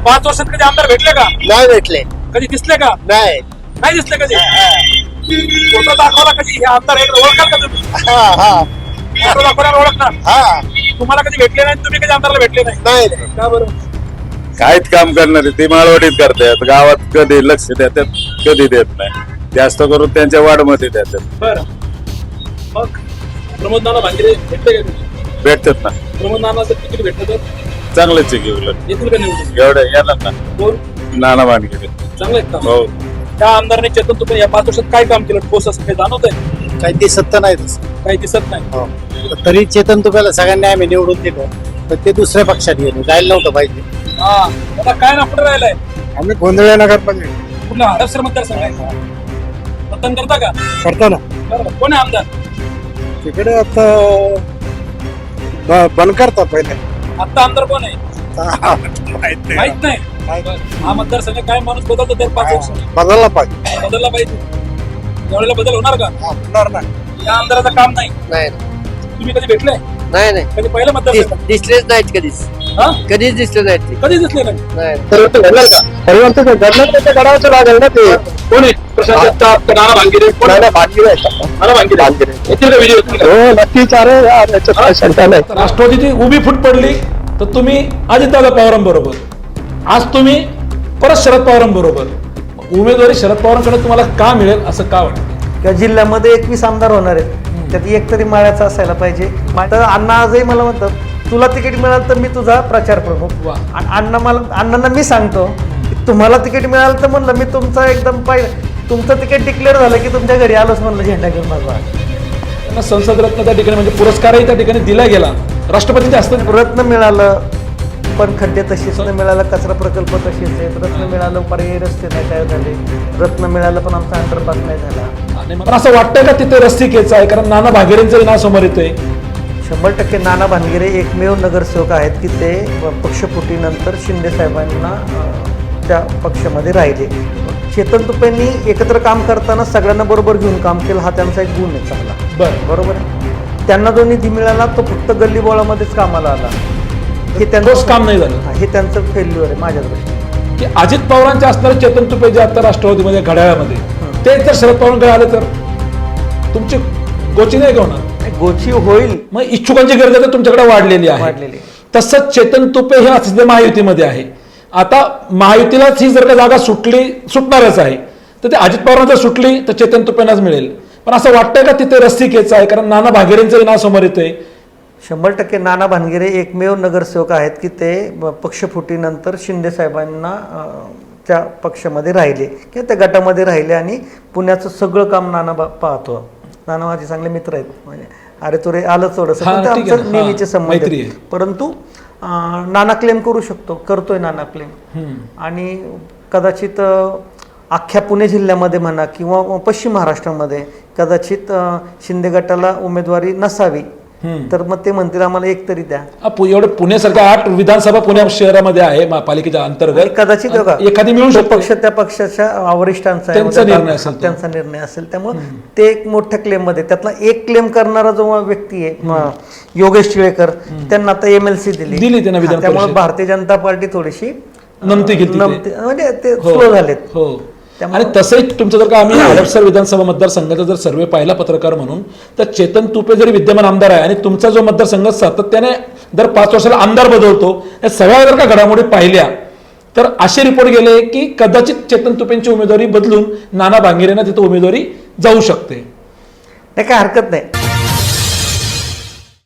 5 वर्षात कधी आमदार भेटले का? नाही भेटले. कधी दिसले का? नाही. नाही दिसले कधी. फोटो दाखवला कधी हे आमदार एकदा ओळखाल का तुम्ही? फोटो दाखवल्यावर ओळखणार. तुम्हाला कधी भेटले नाही, तुम्ही कधी आमदारला भेटले नाही. नाही. का बरं? काहीच काम करणारे ते माळवडीत करतात, गावात कधी लक्ष देतात कधी देत नाही, जास्त करून त्यांच्या वाढमध्ये देतात. बरं मग प्रमोद नाना भांगिरे भेटले का कधी? भेटतात ना, प्रमोद नाना जर तिकीट भेटलं तर चांगलेच आहे की उलट येतील का निवडून? एवढं येणार ना. कोण नाना भानगिरे चांगलं आहेत का? हो. त्या आमदारांनी चेतन तुपे या 5 वर्षात काय काम केलं ठोस असं काही जाणवतंय? काही दिसत तर नाही तसं. काही दिसत नाही. तरी चेतन तुप्याला सगळ्यांनी आम्ही निवडून दिलं, पण ते दुसऱ्या पक्षात गेले, जायला नव्हतं पाहिजे. आता काय ना कुठे राहिलाय? आम्ही गोंधळ नगर मध्ये कुठला हडपसर मतदारसंघ आहे? मतदान करता का? करतो ना. बरं कोण आहे आमदार? तिकडे आता बंद करतात पहिले. आता आमदार कोण आहे माहित नाही. हा मतदारसंघ काय माणूस बदलतो दर 5 वर्षांनी. बदलला पाहिजे. बदलला पाहिजे. यावेळेला बदल होणार का? होणार नाही. या आमदाराचं काम नाही. नाही तुम्ही कधी भेटले? नाही कधी पहिलं मतदारसंघ? दिसलेच नाहीत कधीच. हा? कधीच दिसले नाहीत ते. कधी दिसले नाही. कोण आहे? प्रशांत जगताप, नाना भांगिरे, कोण आहे? नाना भांगिरे. येतील का विजय होतील का? राष्ट्रवादीची उभी फूट पडली तर तुम्ही अजितदादा पवारांबरोबर, आज तुम्ही परत शरद पवारांबरोबर. उमेदवारी शरद पवारांकडे तुम्हाला का मिळेल असं का वाटतं? किंवा जिल्ह्यामध्ये 21 आमदार होणार आहेत, त्यात एक तरी माळ्याचा असायला पाहिजे. तर अण्णा आजही मला म्हणतात तुला तिकीट मिळालं तर मी तुझा प्रचार प्रमुख. वा. अण्णांना मी सांगतो की तुम्हाला तिकीट मिळालं तर म्हणलं मी तुमचा एकदम तुमचं तिकीट डिक्लेअर झालं की तुमच्या घरी आलोच म्हणलं झेंडा घेऊन माझा. त्यांना संसद रत्न त्या ठिकाणी म्हणजे पुरस्कारही त्या ठिकाणी दिला गेला, राष्ट्रपतींच्या हस्ते रत्न मिळालं पण खड्डे तसेच न मिळालं, कचरा प्रकल्प तसेच आहेत. रत्न मिळालं पर्यायी रस्ते नाही तयार झाले. रत्न मिळालं पण आमचा अंडरपास नाही झाला. आणि मला असं वाटतंय का तिथे रस्तिकेचं आहे, कारण नाना भागेरेंचंही नाव समोर येतंय. 100% नाना भानगिरे एकमेव नगरसेवक आहेत की ते पक्षफुटीनंतर शिंदे साहेबांना त्या पक्षामध्ये राहिले. चेतन तुपेंनी एकत्र काम करताना सगळ्यांना बरोबर घेऊन काम केलं, हा त्यांचा एक गुण आहे चांगला. बरोबर आहे. त्यांना जो निधी मिळाला तो फक्त गल्लीबोळामध्येच कामाला आला. हे ठोस काम नाही झालं. हे त्यांचं फेल्युअर आहे माझ्या दृष्टीने. की अजित पवारांचे असणारे चेतन तुपे जे आता राष्ट्रवादीमध्ये घड्याळामध्ये ते जर शरद पवारांकडे आले तर तुमची गोची नाही का होणार? गोची होईल. मग इच्छुकांची गरज तर तुमच्याकडे वाढलेली आहे. तसंच चेतन तुपे हे सध्या महायुतीमध्ये आहे. आता महायुतीलाच ही जर का जागा सुटणारच आहे तर ते अजित पवारांना जर सुटली तर चेतन तुपेंनाच मिळेल. पण असं वाटतंय का तिथे रस्तिकेचं आहे, कारण नाना भागेरेंचंही नाव समोर येतंय. 100% नाना भानगिरे एकमेव नगरसेवक आहेत की ते पक्षफुटीनंतर शिंदे साहेबांना त्या पक्षामध्ये राहिले किंवा त्या गटामध्ये राहिले आणि पुण्याचं सगळं काम नाना पाहतो. नाना माझे चांगले मित्र आहेत, म्हणजे अरे तुरे आलं थोडंसं आमचं नेहमीचे संबंध आहेत. परंतु नाना क्लेम करू शकतो, करतोय नाना क्लेम. आणि कदाचित अख्ख्या पुणे जिल्ह्यामध्ये म्हणा किंवा पश्चिम महाराष्ट्रामध्ये कदाचित शिंदे गटाला उमेदवारी नसावी तर मग ते म्हणतील आम्हाला एक तरी द्या. एवढं पुण्यासारख्या 8 विधानसभा पुणे शहरामध्ये आहे महापालिकेच्या अंतर्गत. कदाचित एखादी मिळू शकते. पक्ष त्या पक्षाच्या वरिष्ठांचा त्यांचा निर्णय असेल. त्यामुळे ते एक मोठ्या क्लेम मध्ये त्यातला एक क्लेम करणारा जो व्यक्ती आहे योगेश टिळेकर, त्यांना आता MLC दिली. त्यामुळे भारतीय जनता पार्टी थोडीशी नमती म्हणजे ते स्लो झालेत. आणि तसंही तुमचं जर का आम्ही हडपसर विधानसभा मतदारसंघाचा जर सर्वे पाहिला पत्रकार म्हणून तर चेतन तुपे जरी विद्यमान आमदार आहे आणि तुमचा जो मतदारसंघ सातत्याने दर 5 वर्षाला आमदार बदलतो, या सगळ्या जर का घडामोडी पाहिल्या तर असे रिपोर्ट गेले की कदाचित चेतन तुपेंची उमेदवारी बदलून नाना भांगिरेंना तिथे उमेदवारी जाऊ शकते. काय हरकत नाही.